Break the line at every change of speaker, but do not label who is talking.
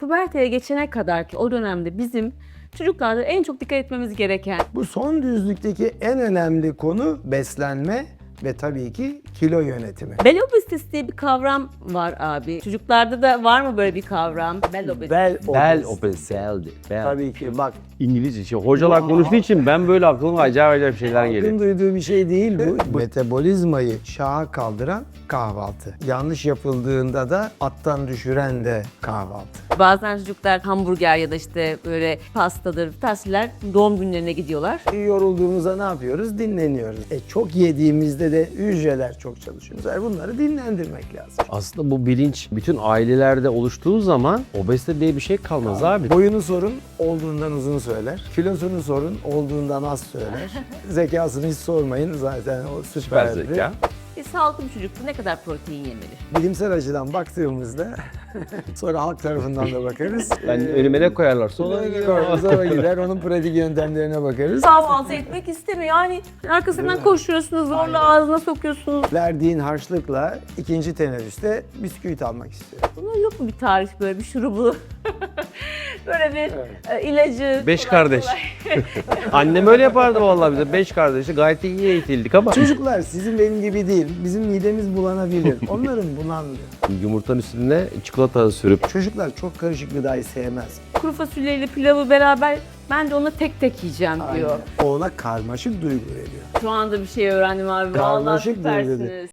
püberteye geçene kadar ki o dönemde bizim çocuklarda en çok dikkat etmemiz gereken
Bu son düzlükteki en önemli konu beslenme ve tabii ki kilo yönetimi.
bel obezitesi diye bir kavram var abi. Çocuklarda da var mı böyle bir kavram? Bel obezitesi.
Bel obeziteldi.
Tabii ki bak,
İngilizce. Hocalar konuştuğu için ben böyle aklıma acayip şeyler
halkın
geliyor.
duyduğu bir şey değil bu. Metabolizmayı şaha kaldıran kahvaltı. Yanlış yapıldığında da attan düşüren de kahvaltı.
Bazen çocuklar hamburger ya da işte böyle pastadır, tasviler doğum günlerine gidiyorlar.
Yorulduğumuzda ne yapıyoruz? Dinleniyoruz. Çok yediğimizde de hücreler çok çalışıyor. Bunları dinlendirmek lazım.
Aslında bu bilinç bütün ailelerde oluştuğu zaman obezite diye bir şey kalmaz abi.
Boyunu sorun, olduğundan uzun söyler. Kilosunu sorun, olduğundan az söyler. Zekasını hiç sormayın, zaten o
Süper
süperdi.
zeka.
Sağlıklı bir çocuk ne kadar protein yemeli?
Bilimsel açıdan baktığımızda sonra halk tarafından da bakarız.
Ben önüme ne koyarlarsa ona
Sonra gider, onun pratik yöntemlerine bakarız.
Kahvaltı etmek istemiyor. Yani arkasından koşuyorsunuz, zorla ağzına sokuyorsunuz.
Verdiğin harçlıkla ikinci teneffüste bisküvit almak istiyor.
Bunun yok mu bir tarif, böyle bir şurubu? Böyle bir ilacı.
5
kolay
kardeş.
kolay.
Annem öyle yapardı vallahi bize. 5 kardeşi gayet iyi eğitildik ama.
Çocuklar sizin benim gibi değil. Bizim midemiz bulanabilir. Onların bulanmıyor.
Yumurtanın üstüne çikolata sürüp
Çocuklar çok karışık gıdayı sevmez.
Kuru fasulyeyle pilavı beraber ben de onu tek tek yiyeceğim diyor.
O ona karmaşık duygu veriyor.
Şu anda bir şey öğrendim abi. Vallahi
Karmaşık duygu.
süpersiniz.